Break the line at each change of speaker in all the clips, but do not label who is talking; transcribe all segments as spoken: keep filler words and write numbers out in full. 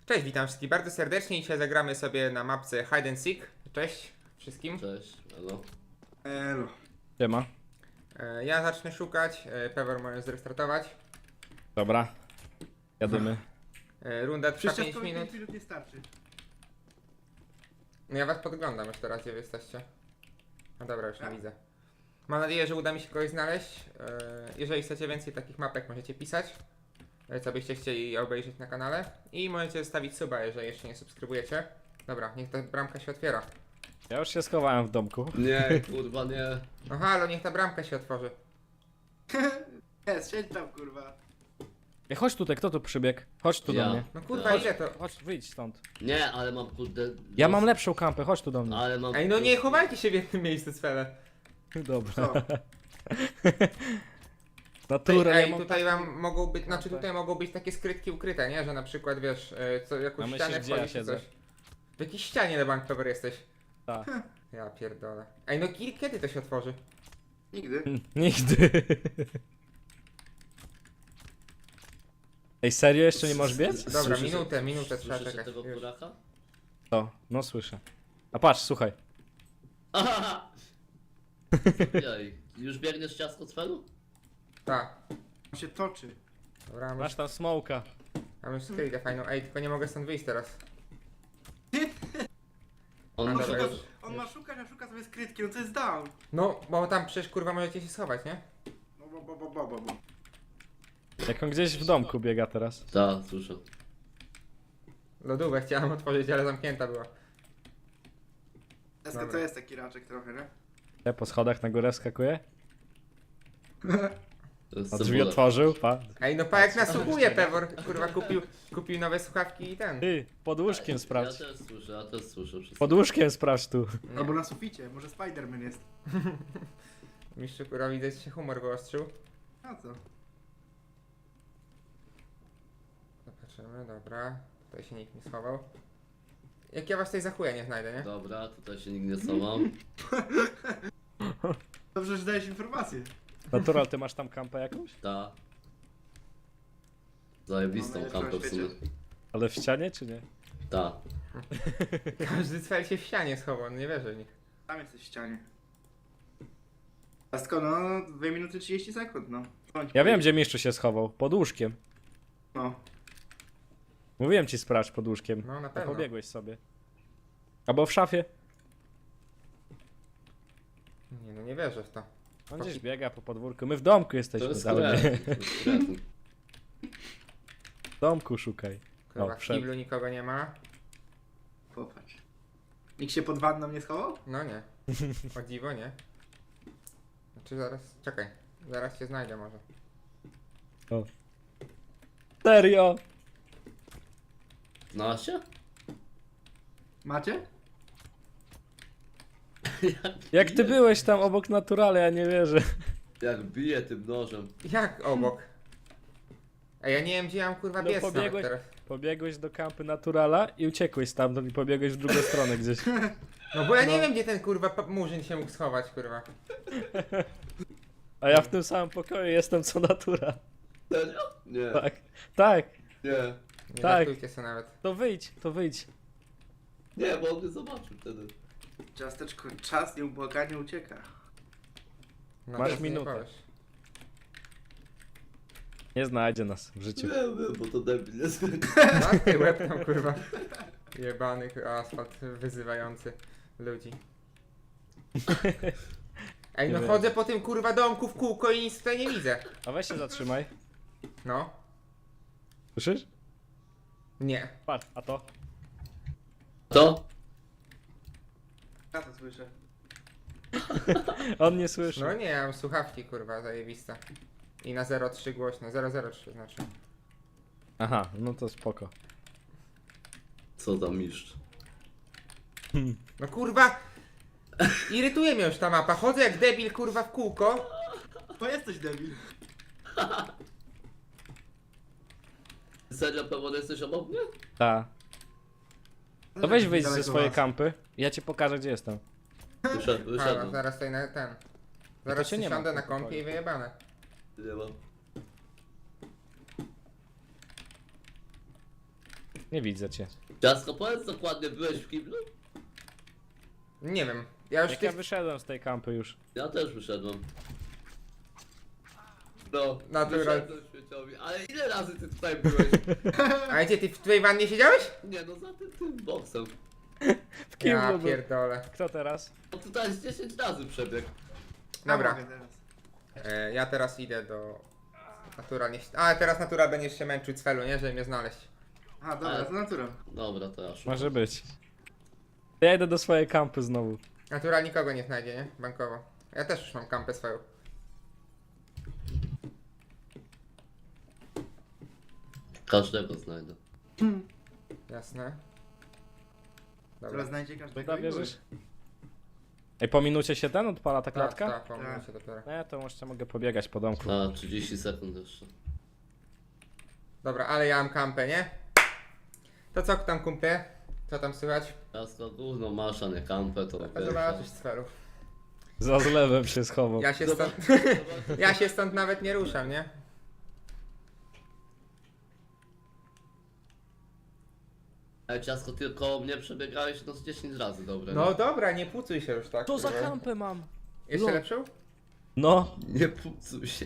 Cześć, witam wszystkich bardzo serdecznie. Dzisiaj zagramy sobie na mapce Hide and Seek. Cześć wszystkim.
Cześć, elo.
Elo.
Siema.
E, Ja zacznę szukać, e, Pewor może zrestartować.
Dobra. Jadymy.
E, Runda trwa
Przecież
pięć
to mi
minut.
pięć minut nie starczy.
No ja was podglądam już teraz, gdzie wy jesteście. No dobra, już nie
Tak?
widzę. Mam nadzieję, że uda mi się kogoś znaleźć. E, Jeżeli chcecie więcej takich mapek, możecie pisać, e, co byście chcieli obejrzeć na kanale. I możecie zostawić suba, jeżeli jeszcze nie subskrybujecie. Dobra, niech ta bramka się otwiera.
Ja już się schowałem w domku.
Nie, kurwa nie.
No halo, niech ta bramka się otworzy.
Jest, siedź tam kurwa.
Ej, chodź tutaj, kto tu przybiegł? Chodź tu
Ja.
do mnie.
No kurwa,
Chodź.
ile to?
Chodź, wyjdź stąd.
Nie, ale mam kurde...
Ja mam lepszą kampę, chodź tu do mnie.
Ale mam...
Ej, no nie chowajcie się w jednym miejscu, cwele.
Dobra.
Co?
Natura,
Ej,
ja
ej,
mam
tutaj
taką-
wam mogą być, znaczy
kampę.
tutaj mogą być takie skrytki ukryte, nie? Że na przykład wiesz, e, co, jakąś
A myślisz,
ścianę
gdzie ja
wchodzisz czy
siedzę?
coś. W jakiejś ścianie na bank cover jesteś.
Tak.
Ja pierdolę. Ej, no ki- kiedy to się otworzy?
Nigdy.
Nigdy. Ej, serio jeszcze nie możesz biec?
Dobra,
Słyszysz-
minutę, minutę trzeba
Słyszycie
czekać.
tego
Już.
kuraka?
To, no słyszę. A patrz, słuchaj.
Aha! Jej, już biegniesz ciasto z felu?
Tak.
On się toczy.
Dobra, mam
Masz
już,
tam smoka.
mam już skrytkę fajną. Ej, tylko nie mogę stąd wyjść teraz.
On
A,
ma
dobra,
szukać...
już.
On ma szukać, a szuka sobie skrytki, no to jest down.
No, bo tam przecież kurwa możecie się schować, nie?
No bo, bo, bo, bo, bo, bo.
Jak on gdzieś w domku biega teraz.
Tak, słyszę.
Lodówkę chciałam otworzyć, ale zamknięta była.
Deska
Dobra.
to jest taki raczek trochę, nie?
Ja po schodach na górę skakuje.
To jest
A drzwi
cebula.
otworzył, pa.
Ej, no pa jak nasłuchuje Pewor. Kurwa kupił, kupił nowe słuchawki i ten.
Ty, pod łóżkiem
Ja
sprawdź.
też słyszę, ja też słyszę wszystko.
Pod łóżkiem sprawdź tu.
Nie.
Albo na suficie, może Spiderman jest.
Mistrzu kurwa widzę, że się humor wyostrzył.
A co?
Zobaczymy, dobra. Tutaj się nikt nie schował. Jak ja was tutaj za chuja nie znajdę, nie?
Dobra, tutaj się nikt nie schował.
Dobrze, że dajesz informację.
Natural, ty masz tam kampę jakąś?
Ta. Zajebistą
Mamy
kampę w
na
sumie.
świecie.
Ale w ścianie czy nie?
Ta.
Każdy cel się w ścianie schował, no nie wierzę w nich.
Tam jesteś w ścianie. Ciastko, no, dwie minuty trzydzieści sekund, no. Bądź
Ja wiem, gdzie mistrzu się schował. Pod łóżkiem.
No.
Mówiłem ci sprawdź pod łóżkiem.
No na
A
pewno.
pobiegłeś sobie. Albo w szafie.
Nie no nie wierzę w to.
On gdzieś biega po podwórku. My w domku
To
jesteśmy
jest
cały dzień.
kretyn, to jest kretyn.
W domku szukaj.
Kurwa,
O,
w
wszedł.
kiblu nikogo nie ma.
Popatrz. Nikt się pod wanną nie schował?
No nie. O dziwo, nie. Znaczy zaraz, czekaj. Zaraz cię znajdę może.
O. Serio?
Znalazłeś?
Macie?
Jak ty byłeś tam obok naturale, ja nie wierzę.
Jak bije tym nożem.
Jak obok? Ej, ja nie wiem gdzie ja mam kurwa
No
biec nawet
pobiegłeś-
teraz.
Pobiegłeś do kampy naturala i uciekłeś stamtąd i pobiegłeś w drugą stronę gdzieś.
No bo ja nie
No.
wiem gdzie ten kurwa pa- murzyn się mógł schować kurwa.
A ja w tym samym pokoju jestem co natura.
Serio? Nie.
Tak. Tak.
Nie.
Nie
Tak.
żartujcie sobie nawet.
To wyjdź, to wyjdź.
Nie, bo on mnie zobaczył wtedy.
Ciasteczko, czas nieubłaganie ucieka.
No,
Masz
teraz nie
minutę.
powiesz.
Nie znajdzie nas w życiu.
Wiem, wiem, bo to debil jest.
Na ty łeb tam kurwa. Jebany asfalt wyzywający ludzi. Ej no
Nie
chodzę po tym kurwa domku w kółko i nic tutaj nie widzę.
A weź się zatrzymaj.
No.
Słyszysz?
Nie.
Patrz, a to?
To?
Ja to słyszę.
On nie słyszy.
No nie, ja mam słuchawki kurwa zajebiste. I na zero trzy głośno, zero zero trzy znaczy.
Aha, no to spoko.
Co tam mistrz?
No kurwa! Irytuje mnie już ta mapa. Chodzę jak debil kurwa w kółko.
To jesteś debil.
Serio, pewnie jesteś obok mnie?
Ta. To weź wyjdź ze
Daleko
swojej
was.
kampy. Ja ci pokażę gdzie jestem.
Wyszedł,
Halo,
wyszedł.
zaraz tutaj na ten. Zaraz
cię nie ma
siądę
w
na
tym
kąpie
pokoju.
i wyjebane.
Nie mam.
Nie widzę cię.
Ciasko, powiedz dokładnie, byłeś w kiblu?
Nie wiem. Ja już
Jak ja
tych...
wyszedłem z tej kampy już.
Ja też wyszedłem. No,
Natural.
wyszedłem śmieciowi. Ale ile razy ty tutaj byłeś?
A gdzie, ty w twojej wannie siedziałeś?
Nie no, za tym, tym boksem.
W kim
Ja
był?
pierdolę.
Kto teraz?
No tutaj z dziesięć razy przebiegł.
Dobra.
Ja mogę teraz.
E, ja teraz idę do... Natura nie... A, teraz Natura będziesz się męczył cfelu, nie? Żeby mnie znaleźć.
A, dobra,
Ale-
to natura.
Dobra, to ja szukam.
Może być. Ja idę do swojej kampy znowu.
Natura nikogo nie znajdzie, nie? Bankowo. Ja też już mam kampę swoją.
Każdego znajdę.
Jasne.
Teraz
Dobra.
znajdzie każdego.
Dobra,
i
wierzysz? Ej, po minucie się ten odpala ta
Tak,
klatka?
tak, pomyliłem się dopiero.
No ja to jeszcze mogę pobiegać po domku.
A, trzydzieści sekund jeszcze.
Dobra, ale ja mam kampę, nie? To co tam kumple? Co tam słychać?
Ciasko, gówno masz, a nie kampę, to
A
wiesz,
zobaczysz cfelu.
Za zlewem się schował.
Ja się
Zobacz-
stąd...
zobacz-
Ja się stąd nawet nie ruszam, nie?
Ej, ciasko, ty koło mnie przebiegałeś no z dziesięć razy, dobra.
No
nie?
dobra, nie pucuj się już tak.
To za
kurwa.
kampę mam.
Jeszcze
No.
lepszą?
No.
Nie pucuj się.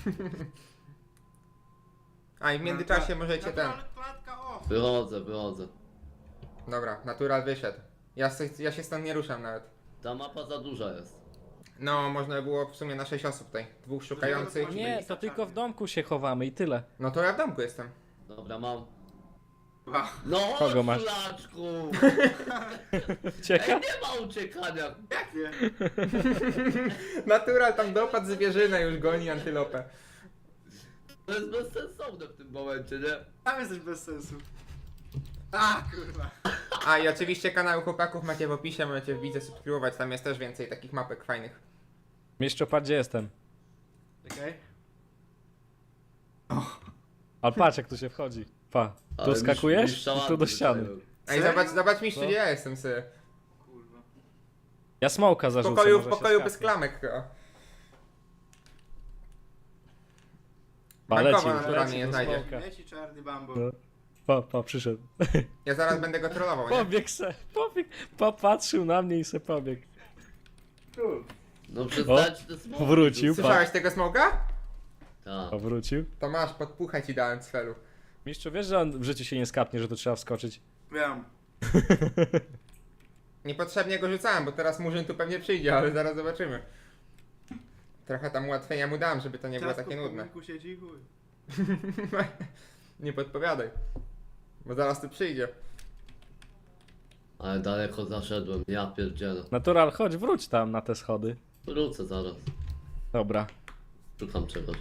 A i w międzyczasie możecie ten...
Natural klatka off.
Wychodzę, wychodzę.
Dobra, natural wyszedł. Ja, se- ja się stąd nie ruszam nawet.
Ta mapa za duża jest.
No, można by było w sumie na sześć osób tutaj. Dwóch szukających.
Nie, to tylko w domku się chowamy i tyle.
No to ja w domku jestem.
Dobra, mam.
Wow.
No,
Kogo masz?
szulaczku!
Cieka?
Ej, nie ma uciekania!
Jak nie?
Natural tam dopadł zwierzynę, już goni antylopę.
To jest bezsensowne w tym momencie, nie?
Tam jesteś bez sensu. A, kurwa.
A i oczywiście kanał chłopaków macie w opisie, możecie wbić, subskrybować, tam jest też więcej takich mapek fajnych.
Mieszczopa, gdzie jestem?
Czekaj.
Ale patrz jak tu się wchodzi. Pa. Tu
Ale
skakujesz
mistrz- mistrza
i tu do
ładny
ściany.
wydają.
Ej,
Serio?
zobacz, zobacz mistrzu,
No.
gdzie ja jestem sy.
Kurwa.
Ja smoka
W
zarzucę.
pokoju, w
może się
pokoju bez
skapnie.
klamek chyba.
Pa,
Bankowo
leci,
naturalnie
leci
nie
do
znajdzie.
smoka.
Leci czarny bambo.
No. Pa, pa, przyszedł.
Ja zaraz będę go trollował, nie?
Pobiegł se, pobiegł. Popatrzył na mnie i se pobiegł.
Cool.
No przestańcie te smoki.
Wrócił,
tu-
pa.
Słyszałeś tego smoka?
Tak.
Powrócił.
To masz, podpuchaj ci dałem cfelu.
Mistrzu, wiesz, że on w życiu się nie skapnie, że tu trzeba wskoczyć?
Wiem.
Niepotrzebnie go rzucałem, bo teraz Murzyn tu pewnie przyjdzie, ale zaraz zobaczymy. Trochę tam ułatwienia mu dam, żeby to nie było
Ciastko
takie
w
nudne.
podwórku siedzi i chuj.
Nie podpowiadaj. Bo zaraz tu przyjdzie.
Ale daleko zaszedłem, ja pierdzielę.
Natural, chodź, wróć tam na te schody.
Wrócę zaraz.
Dobra.
Szukam czegoś.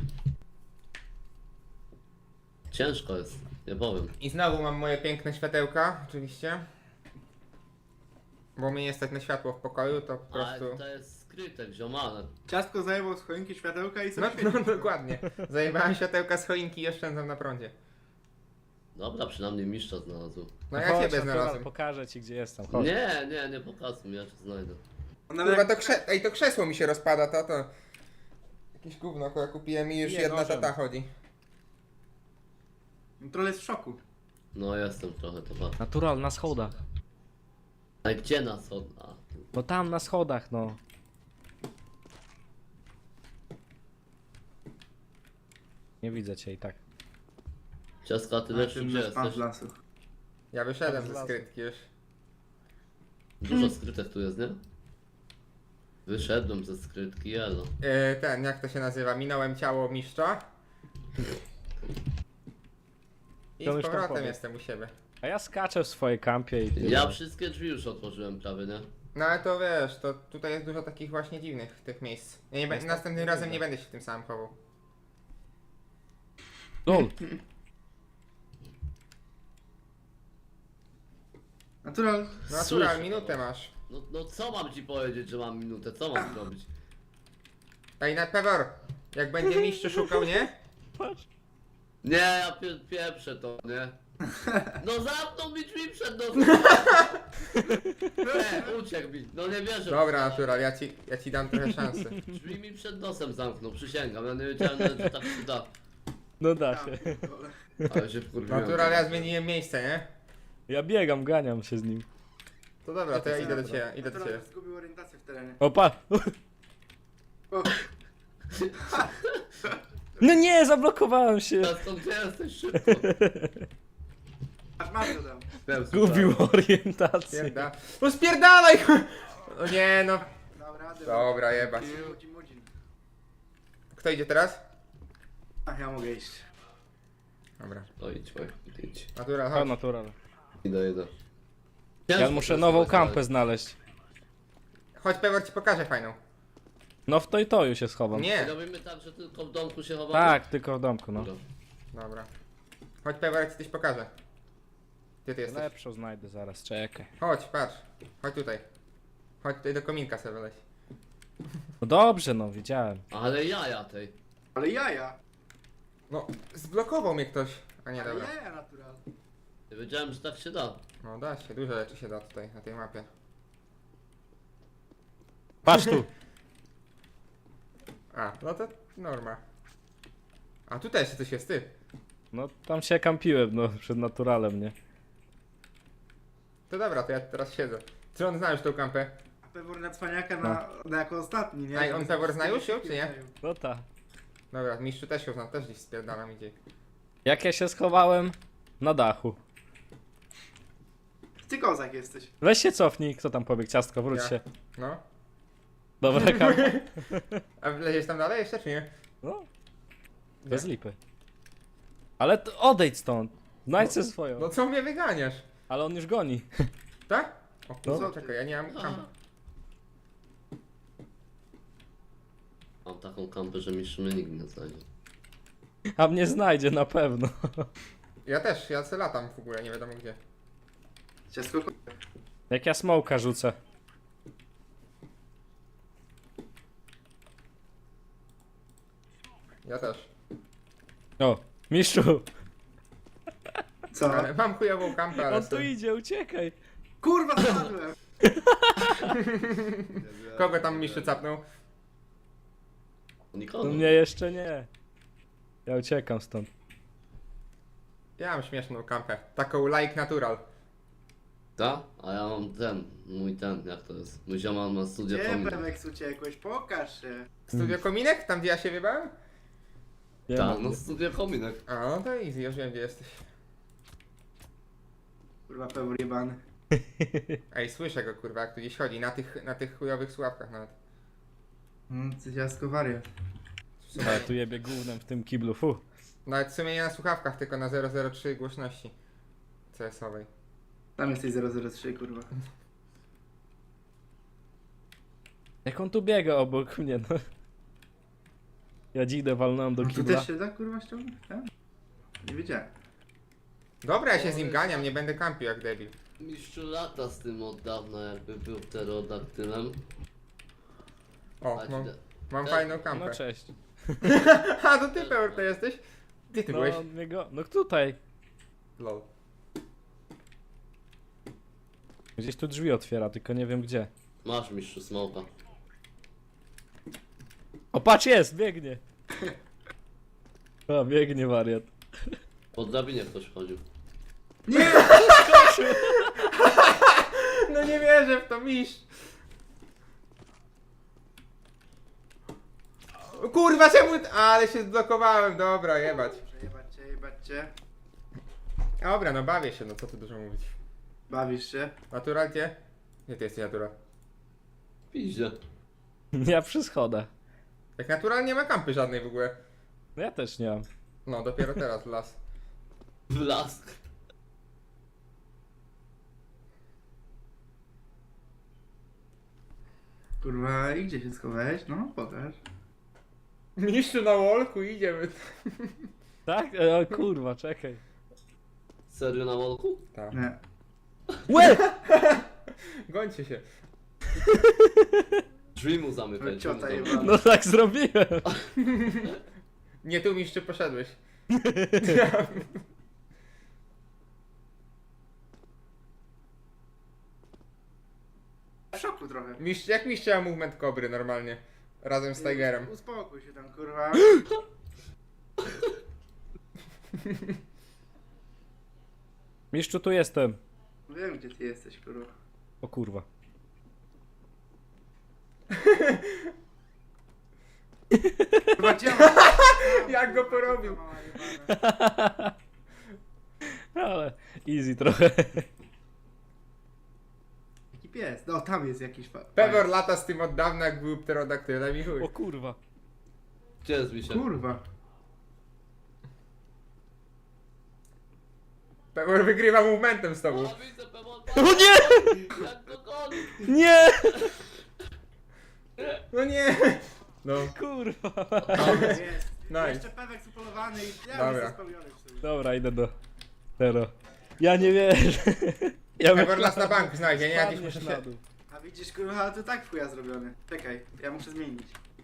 Ciężko jest, nie powiem.
I znowu mam moje piękne światełka, oczywiście. Bo mnie nie stać na światło w pokoju, to po
Ale
prostu...
to jest skrytek, ziomane.
Ciastko zajebał z choinki światełka i
No,
sobie
no
świeci.
dokładnie. Zajebałem światełka z choinki i oszczędzam na prądzie.
Dobra, przynajmniej mistrza znalazł.
No ja
chodź,
ciebie
Natural,
znalazłem.
pokażę ci, gdzie jestem. Chodź.
Nie, nie, nie pokazuj mi, ja cię znajdę.
On nawet
Kurwa, to,
jak-
krze... Ej, to krzesło mi się rozpada, to to... Jakieś gówno, które kupiłem i już
Bije
jedna
nożem.
tata chodzi.
Troll jest w szoku.
No jestem trochę, to bardzo.
Natural, na schodach.
Ale gdzie nas od... A, tu.
No tam, na schodach, no. Nie widzę cię i tak.
Ciaska, a ty
Na
lepszy
tym
gdzie
nasz pan z
jesteś?
lasu.
Ja wyszedłem
Tam z
ze
lasu.
skrytki już.
Dużo skrytek tu jest, nie? Wyszedłem ze skrytki, jelo.
Yy, ten, jak to się nazywa? Minąłem ciało mistrza. I
To
z
już tam
powrotem
pobiegł.
jestem u siebie.
A ja skaczę w swojej kampie i tyle.
Ja wszystkie drzwi już otworzyłem prawie, nie?
No ale to wiesz, to tutaj jest dużo takich właśnie dziwnych tych miejsc. Ja nie, be-
Jest
następnym
tak,
razem
nie
nie będę się w tym samym chował.
Lol.
Natural.
No
Słyszę,
natural, minutę
no.
masz.
No, no co mam ci powiedzieć, że mam minutę? Co mam zrobić?
Ej, na pewor, jak będzie mistrz szukał, nie?
Patrz.
Nie, ja pie pieprzę to, nie? No zamknął mi drzwi przed nosem! Nie, uciekł mi, no nie wierzę.
Dobra, natural, ja ci, ja ci dam trochę szansy.
Drzwi mi przed nosem zamknął, przysięgam, ja nie wiedziałem nawet, że tak się da.
No da
Ja
się.
pierdolę.
Ale się wkurwiłem.
Natural, ja zmieniłem miejsce, nie?
Ja biegam, ganiam się z nim.
To dobra, to ja
Co
idę do
dobra.
ciebie, idę do
Natural
ciebie.
zgubił orientację w terenie.
Opa!
O,
No nie, zablokowałem się!
Teraz to gdzie jesteś szybko?
aż masz go tam.
Gubił orientację.
Pierda. No spierdalaj! O nie no.
Dał radę.
Dobra, jebać.
Mudzin, mudzin.
Kto idzie teraz?
Ach, ja mogę iść.
Dobra.
To idź, Wojtek, idź.
Natural,
O,
chodź.
natural.
Idę, idę.
Ja muszę nową kampę znaleźć.
Chodź, Pewor ci pokażę fajną.
No w to i to już się schowam.
Nie.
Robimy tak, że tylko w domku się chowamy?
Tak, tylko w domku, no.
Dobra.
Dobra. Chodź, Pewor, ja ci coś pokażę. Gdzie ty jesteś?
Lepszą znajdę zaraz, czekaj.
Chodź, patrz. Chodź tutaj. Chodź tutaj do kominka sobie wyleź.
No dobrze, no, widziałem.
Ale jaja tej.
Ale jaja.
No, zblokował mnie ktoś. A nie,
Ale
dobra.
jaja natural.
Nie wiedziałem, że tak się da.
No da się, dużo rzeczy się da tutaj, na tej mapie.
Patrz tu!
A, no to norma. A tu też coś jest, ty.
No tam się kampiłem, no, przed naturalem, nie?
To dobra, to ja teraz siedzę. Czy on zna już tą kampę?
A Pewor na cwaniaka na, na jako ostatni, nie?
A i on Pewor zna już ją, czy nie?
No ta.
Dobra, mistrzu też ją zna, też gdzieś spierdalam idzie.
Jak ja się schowałem? Na dachu.
Ty kozak jesteś.
Weź się cofnij, kto tam pobiegł? Ciastko, wróć
Ja.
się.
No.
Dobra, kampa.
A wleziesz tam dalej jeszcze, czy nie?
No, bez lipy. Ale to odejdź stąd. Znajdź sobie swoją.
No co mnie wyganiasz?
Ale on już goni.
Tak? O
No.
kurwa, czekaj, ja nie mam kampy.
Mam taką kampę, że mistrz mnie nikt nie znajdzie.
A mnie znajdzie na pewno.
Ja też, ja se latam w ogóle, nie wiadomo gdzie.
Ciasko.
Jak ja smoka rzucę.
Ja też.
O, mistrzu!
Co?
Ale mam chujową kampę, ale
On tu
sobie-
idzie, uciekaj!
Kurwa, spadłem.
Kogo tam mistrzu capnął?
Nikogo.
No mnie jeszcze nie. Ja uciekam stąd.
Ja mam śmieszną kampę. Taką like natural.
Ta? A ja mam ten, mój ten, jak to jest? Mój ziomal ma studia
Gdzie
kominek.
Pemek uciekłeś? Pokaż się.
Studio Kominek? Tam gdzie ja się wybałem?
Nie
Tak,
ma.
no studia kominek.
A no to easy, już wiem gdzie jesteś.
Kurwa, Pewor jebany.
Ej, słyszę go kurwa, jak tu gdzieś chodzi, na tych, na tych chujowych słuchawkach nawet.
Hmm, ty ciasko wariat.
W sumie,
Ale tu jebie gównem w tym kiblu, fu.
nawet w sumie nie na słuchawkach, tylko na zero zero trzy głośności C S-owej.
Tam jesteś zero zero trzy, kurwa.
Jak on tu biega obok mnie, no. Ja dzidę walnąłem do
No tu
kibla.
też się da, kurwa, ściągnąć? Tak? Nie wiedziałem.
Dobra, ja się z nim ganiam, nie będę kampił jak debil.
Mistrzu lata z tym od dawna, jakby był pterodaktylem.
O,
A ci
mam,
da-
mam
tak?
fajną kampę.
No cześć.
A, to ty Peor to jesteś? Gdzie ty byłeś?
No, mnie go... no tutaj.
Lol.
Gdzieś tu drzwi otwiera, tylko nie wiem gdzie.
Masz mistrzu smoka.
O, patrz, jest, biegnie. O, biegnie wariat.
Po drabinie ktoś chodził.
No nie wierzę w to, mistrz! O kurwa, czemu... Ale się zblokowałem, dobra, jebać.
Jebać cię, jebać cię.
Dobra, no bawię się, no co tu dużo mówić.
Bawisz się?
Natural gdzie? Gdzie ty jesteś, Natural?
Piździe.
Ja przy schodach.
Jak Natural nie ma kampy żadnej w ogóle.
No ja też nie mam.
No, dopiero teraz las.
W las.
Kurwa, i gdzie się schowałeś? No, pokaż.
Mistrzu na wolku, idziemy.
Tak? E, O kurwa, czekaj.
Serio na wolku?
Tak.
Nie.
Łe!
Gońcie się.
Drzwi mu zamykaj. drzwi mu
Ciota
zamykaj.
jebana.
No tak zrobiłem.
Nie tu, mistrzu, poszedłeś.
W szoku trochę.
Mistrz, jak mistrz miał movement kobry normalnie? Razem z Tigerem.
Uspokój się tam, kurwa.
Mistrzu, tu jestem.
Wiem, gdzie ty jesteś, kurwa.
O kurwa.
Chyba działa.
Jak go porobił.
Ale easy trochę.
Jaki pies? No, tam jest jakiś fa...
Pewor lata z tym od dawna, jak był pterodaktylem i chuj.
O kurwa.
Gdzie jest mi się?
Kurwa.
Pewor wygrywa momentem z tobą.
O, widzę, Pemon,
O nie!
jak to goni!
Nie!
No nie! No,
Kurwa.
Jest.
Nice.
Jeszcze pewek supolowany i ja
Dobra.
jestem spełniony w sumie.
Dobra, idę do Tero. Ja nie wierzę. Ja
Pewor nas na bank znajdzie, nie? Jakiś
Spadniesz
muszę
na
się...
dół.
A widzisz, kurwa, ale to tak w chuja zrobiony. Czekaj, ja muszę zmienić.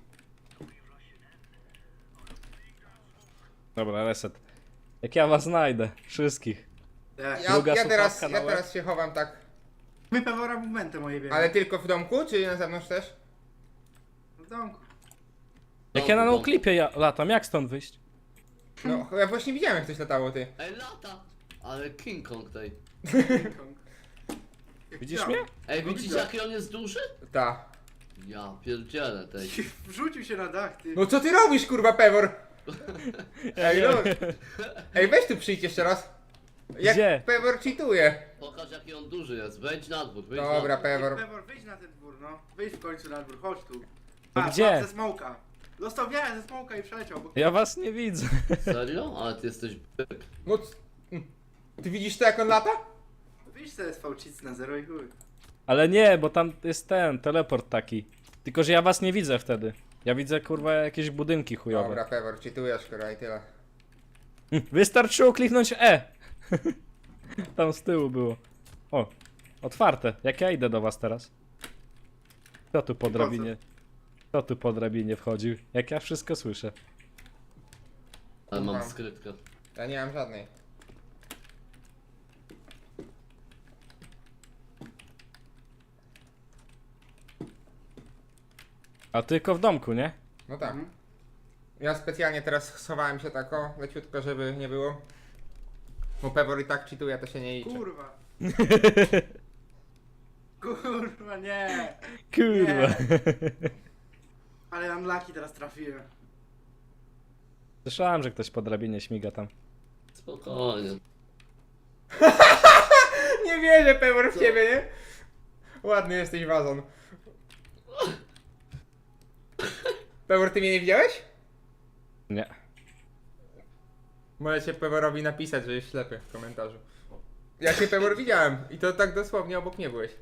Dobra, reset. Jak ja was znajdę, wszystkich.
Ja.
Ja,
Druga
ja, teraz,
słuchawka na
ja
łeb.
teraz się chowam tak.
My pewora movementem moje wiemy.
Ale tylko w domku, czy na zewnątrz też?
W domku.
Jak ja na noclipie ja latam, jak stąd wyjść?
No, ja właśnie widziałem, jak ktoś latało, ty.
Ej, lata! Ale King Kong tej.
King Kong. Jak
Widzisz
działa.
mnie?
Ej,
No
widzicie
widzę.
jaki on jest duży?
Ta.
Ja pierdzielę tej.
Wrzucił się na dach, ty.
No co ty robisz, kurwa, Pewor? Ej,
nie
no. Ej, weź tu przyjdź jeszcze raz. Jak
Gdzie?
Pewor cheatuje.
Pokaż jaki on duży jest. Wejdź na dwór, wejdź
Dobra,
na dwór.
Pewor.
Pewor, wyjdź na ten dwór, no. Wyjdź w końcu na dwór, chodź tu.
No
A,
gdzie?
mam ze smoka. Dostał wiarę ze smoka i przeleciał. Bo...
Ja was nie widzę.
Serio? Ale ty jesteś byk.
No, c- mm. Ty widzisz to, jak on lata?
Wyjdź sobie z fałcic na zero i chuj.
Ale nie, bo tam jest ten teleport taki. Tylko, że ja was nie widzę wtedy. Ja widzę kurwa jakieś budynki chujowe.
Dobra, Pewor, cheatujesz, kurwa, i tyle.
Wystarczyło kliknąć E. Tam z tyłu było. O, otwarte. Jak ja idę do was teraz? Kto tu po
po co?
drabinie? Kto tu po drabinie wchodził? Jak ja wszystko słyszę.
Ale mam
Mam.
skrytkę.
Ja nie mam żadnej.
A tylko w domku, nie?
No tak.
Mhm.
Ja specjalnie teraz schowałem się tak o, leciutko, żeby nie było. Bo Pewor i tak cheatuje, to się nie liczy.
Kurwa. Kurwa, nie.
Kurwa.
Ale unlucky teraz trafiłem.
Słyszałem, że ktoś po drabinie śmiga tam.
Spokojnie.
Nie wierzę, Pewor, w
Co?
ciebie, nie? Ładny jesteś wazon. Pewor, ty mnie nie widziałeś?
Nie.
Możecie Peworowi napisać, że jest ślepy w komentarzu. Ja cię, Pewor, widziałem i to tak dosłownie obok mnie byłeś.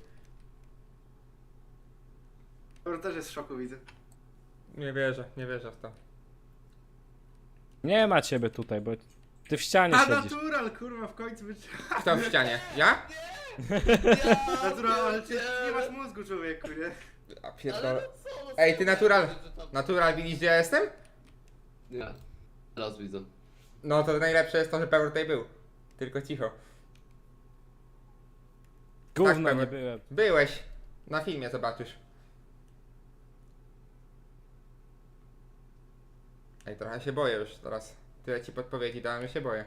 Pewor też jest w szoku, widzę.
Nie wierzę, nie wierzę w to.
Nie ma ciebie tutaj, bo ty w ścianie
A
siedzisz.
natural, kurwa, w końcu być.
Kto w ścianie? Ja?
Natural, ale ty nie masz mózgu, człowieku, nie?
A
Ale
pierdolę.
no co, no
Ej, ty
co,
natural.
że tam-
Natural, widzisz, gdzie ja jestem?
Nie. Teraz widzę.
No to najlepsze jest to, że Pewor tutaj był. Tylko cicho.
Gówno
tak,
nie
Pewor.
byłem.
Byłeś. Na filmie zobaczysz. Ej, trochę się boję już teraz. Tyle ci podpowiedzi dałem, że się boję.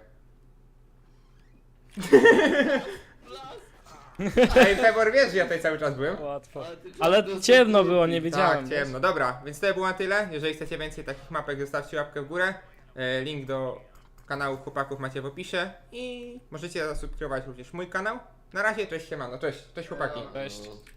Ej, Pewor, wiesz, że ja tutaj cały czas byłem?
Łatwo.
Ale ty-
Ale
to-
ciemno było, nie wiedziałem.
Tak, ciemno. Dobra, więc to było na tyle. Jeżeli chcecie więcej takich mapek, zostawcie łapkę w górę. E, Link do kanału chłopaków macie w opisie. I możecie zasubskrybować również mój kanał. Na razie, cześć siemano, cześć, cześć chłopaki.
Cześć.
No.